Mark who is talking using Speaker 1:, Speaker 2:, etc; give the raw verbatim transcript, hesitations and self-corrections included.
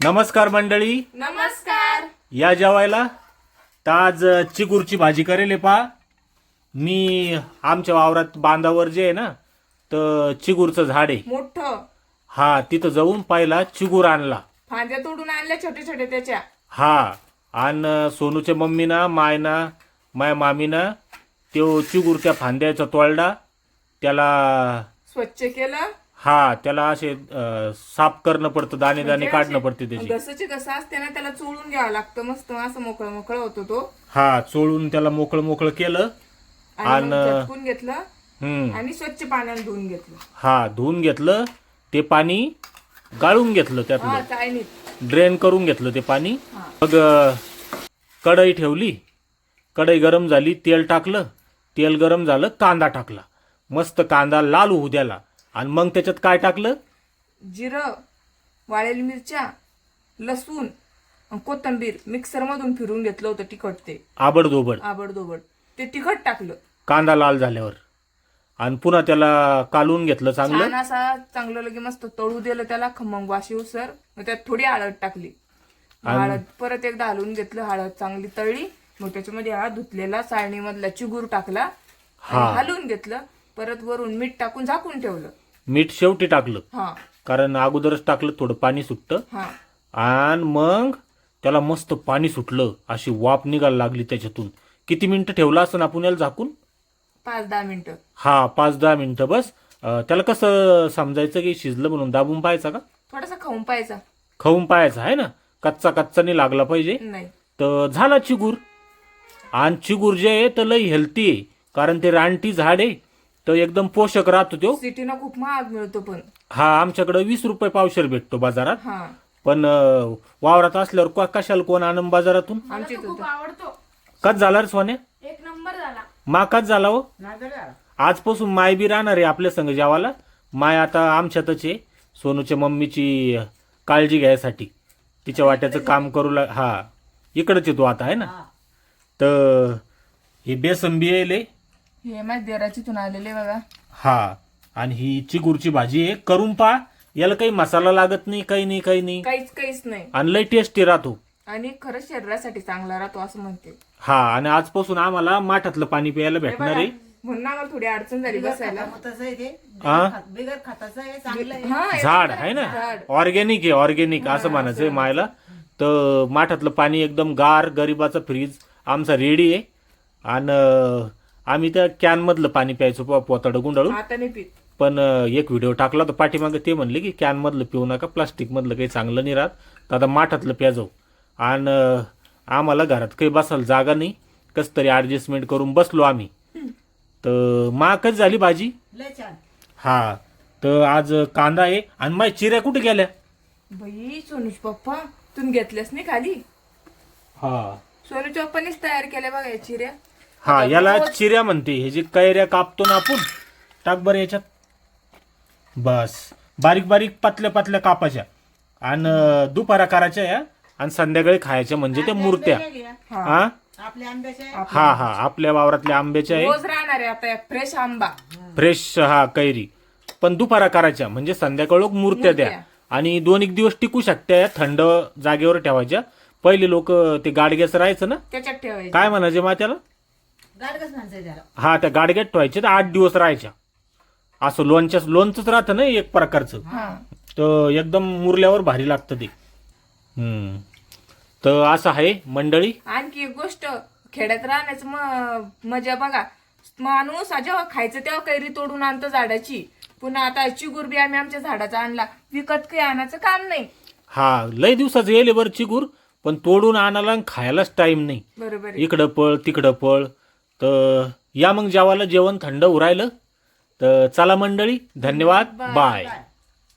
Speaker 1: नमस्कार मंडळी,
Speaker 2: नमस्कार.
Speaker 1: या जेवायला तर आज चिगूरची भाजी करेल पा. मी आमच्या वावरात बांधावर जे आहे ना तर चिगूरचं झाड आहे
Speaker 2: मोठं
Speaker 1: हा, तिथं जाऊन पाहिला चिगूर आणला.
Speaker 2: फांद्या तोडून आणल्या छोटे छोटे त्याच्या.
Speaker 1: हा, आणि सोनूच्या मम्मीना मायना माय मामीना तो चिगूरच्या फांद्याचा तोडला, त्याला
Speaker 2: स्वच्छ केलं.
Speaker 1: हा त्याला असे अं, साफ करणं पडतं, दाणे दाणे काढणं पडते त्याची.
Speaker 2: घसाची घसा असते ना त्याला चोळून घ्यावं लागतं. मस्त असं मोकळं मोकळं होतो तो.
Speaker 1: हा, चोळून त्याला मोकळं मोकळं केलं
Speaker 2: आणि मग
Speaker 1: आणि
Speaker 2: झटकून घेतलं
Speaker 1: हम्म
Speaker 2: आणि स्वच्छ पाण्याने धुवून घेतलं.
Speaker 1: हा, धुवून घेतलं ते पाणी, गाळून घेतलं
Speaker 2: हा
Speaker 1: त्यातलं,
Speaker 2: काय नाही.
Speaker 1: ड्रेन करून घेतलं ते पाणी.
Speaker 2: हा.
Speaker 1: मग अं, कढई ठेवली, कढई गरम झाली, तेल टाकलं, तेल गरम झालं, कांदा टाकला, मस्त कांदा लाल होऊ द्याला. आणि मग त्याच्यात काय टाकलं?
Speaker 2: जिरं, वाळलेली मिरच्या, लसूण, अन कोथिंबीर मिक्सर मधून फिरून घेतलं होतं तिखट. ते
Speaker 1: आबडधोबड
Speaker 2: आबडदोबड ते तिखट टाकलं.
Speaker 1: कांदा लाल झाल्यावर आणि पुन्हा त्याला कालून घेतलं चांगलं.
Speaker 2: छान असा चांगलं लगे मस्त तळू दिलं त्याला खमंग वाशी उसर. मग त्यात थोडी हळद टाकली. हळद परत एकदा हलवून घेतलं, हळद चांगली तळली. मग त्याच्यामध्ये हा धुतलेला चाळणीमधला चिगूर टाकला आणि हलवून घेतलं. परत वरून मीठ टाकून झाकून ठेवलं.
Speaker 1: मीठ शेवटी टाकलं,
Speaker 2: हा
Speaker 1: कारण अगोदरच टाकलं थोडं पाणी सुटतं.
Speaker 2: हा
Speaker 1: आणि मग त्याला मस्त पाणी सुटलं, अशी वाफ निघायला लागली त्याच्यातून. किती मिनिटं ठेवलं असं आपण याला झाकून?
Speaker 2: पाच दहा मिनिटं.
Speaker 1: हा, पाच दहा मिनिटं बस. अं, त्याला कसं समजायचं की शिजलं म्हणून? दाबून पाहायचा का?
Speaker 2: थोडासा खाऊन पाहायचा.
Speaker 1: खाऊन पाहायचा आहे ना, कच्चा कच्चा नाही लागला पाहिजे.
Speaker 2: नाही
Speaker 1: तर झाला चिगूर. आणि चिगूर जे आहे तर लई हेल्थी आहे, कारण ते रानटी झाड आहे तर एकदम पोषक राहतो तो.
Speaker 2: सिटीनं खूप महाग मिळतो पण.
Speaker 1: हा, आमच्याकडे वीस रुपये पावशेर भेटतो बाजारात.
Speaker 2: हा
Speaker 1: पण अं, वावरात असल्यावर को- कशाला कोण आणून बाजारातून?
Speaker 2: आमच्या इथं होतं.
Speaker 3: आवडतो.
Speaker 1: कच झाला रे सोन्या?
Speaker 3: एक नंबर झाला.
Speaker 1: मा कच झाला हो. आजपासून माय बी राहणार आहे आपल्या संग जेवायला. माय आता आमच्यातच आहे, सोनूच्या मम्मीची काळजी घ्यायसाठी, तिच्या वाट्याचं काम करू लाग. हा, इकडच येतो आता आहे ना. तर हे बेसन बी येले.
Speaker 2: हे माझ्या देराचीतून आलेले बघा.
Speaker 1: हा, आणि ही चिगूरची भाजी आहे, करून पहा. याला काही मसाला लागत नाही, काही नाही, काही नाही,
Speaker 2: काहीच काहीच नाही.
Speaker 1: आणि लय टेस्टी राहतो.
Speaker 2: आणि खरंच शरीरासाठी चांगला राहतो असं म्हणते.
Speaker 1: हा, आणि आजपासून आम्हाला माठातलं पाणी प्यायला भेटणार आहे.
Speaker 2: म्हणून आम्हाला थोडी अडचण झाली बसायला.
Speaker 1: हा?
Speaker 4: बिगर खताचं आहे, चांगलं आहे.
Speaker 2: हा हे
Speaker 1: झाड आहे ना,
Speaker 2: झाड.
Speaker 1: ऑर्गॅनिक आहे, ऑर्गॅनिक असं म्हणायचंय मायला. तर माठातलं पाणी एकदम गार, गरिबाचा फ्रीज आमचा रेडी आहे. आणि आम्ही त्या कॅन मधलं पाणी प्यायचो पो- पोताडं गुंडाळून.
Speaker 2: आता नाही पीत.
Speaker 1: पण अं, एक व्हिडिओ टाकला तर पाठीमागे ते म्हणले की कॅन मधलं पिऊ नका, प्लास्टिक मधलं काही चांगलं नाही राहत. तर आता माठातलं प्या जाऊ. आणि अं, आम्हाला घरात काही बसायला जागा नाही, कसं तरी ऍडजस्टमेंट करून बसलो आम्ही. तर माकच झाली भाजी.
Speaker 4: लय छान.
Speaker 1: हा, तर आज कांदा आहे. आणि माझ्या चिऱ्या कुठे गेल्या?
Speaker 2: बाई सोनूच पप्पा तुम्ही घेतल्यास नाही खाली.
Speaker 1: हा
Speaker 2: सोनूच्या पप्पानीच तयार केल्या बघा या चिऱ्या.
Speaker 1: हा, याला चिऱ्या म्हणते. हे जे कैऱ्या कापतो ना आपण, टाक बरं याच्यात. बस, बारीक बारीक पातल्या पातल्या कापाच्या आणि दुपारा करायच्या या, आणि संध्याकाळी खायच्या, म्हणजे त्या मूर्त्या.
Speaker 4: घ्या.
Speaker 1: हा
Speaker 4: आपल्या आंब्याचे आहे.
Speaker 1: हा हा, आपल्या वावरातल्या आंब्याच्या आहे,
Speaker 2: रोज राहणार आहे आता फ्रेश आंबा.
Speaker 1: फ्रेश. हा, कैरी. पण दुपारा करायच्या, म्हणजे संध्याकाळ मूर्त्या द्या.
Speaker 2: मूर्त्या.
Speaker 1: आणि दोन एक दिवस टिकू शकत्या, थंड जागेवर ठेवायच्या. पहिले लोक ते गाडग्याचं राहायचं ना,
Speaker 2: त्याच्यात ठेवायचं.
Speaker 1: काय म्हणायचे मा त्याला?
Speaker 4: गाडगच म्हणायचं त्याला.
Speaker 1: हा, त्या गाडग्यात ठेवायचे तर आठ दिवस राहायच्या. असं लोणच्या लोणचंच राहतं ना एक प्रकारचं.
Speaker 2: हा
Speaker 1: तर एकदम मुरल्यावर भारी लागतं ते. हम्म, तर असं आहे मंडळी.
Speaker 2: आणखी एक गोष्ट, खेड्यात राहण्याचं म- मजा बघा. माणूस जेव्हा खायचं तेव्हा कैरी तोडून आणतो झाडाची. पुन्हा आता चिगूर बी आम्ही आमच्या झाडाचा आणला, विकत काही आणायचं काम नाही.
Speaker 1: हा, लय दिवसाचं येले बरं चिगूर, पण तोडून आणायला आणि खायलाच टाइम नाही.
Speaker 2: बरोबर आहे.
Speaker 1: इकडं पळ तिकडं पळ. तर या मग जेवायला, जेवण थंड उरायलं. तर चला मंडळी, धन्यवाद, बाय.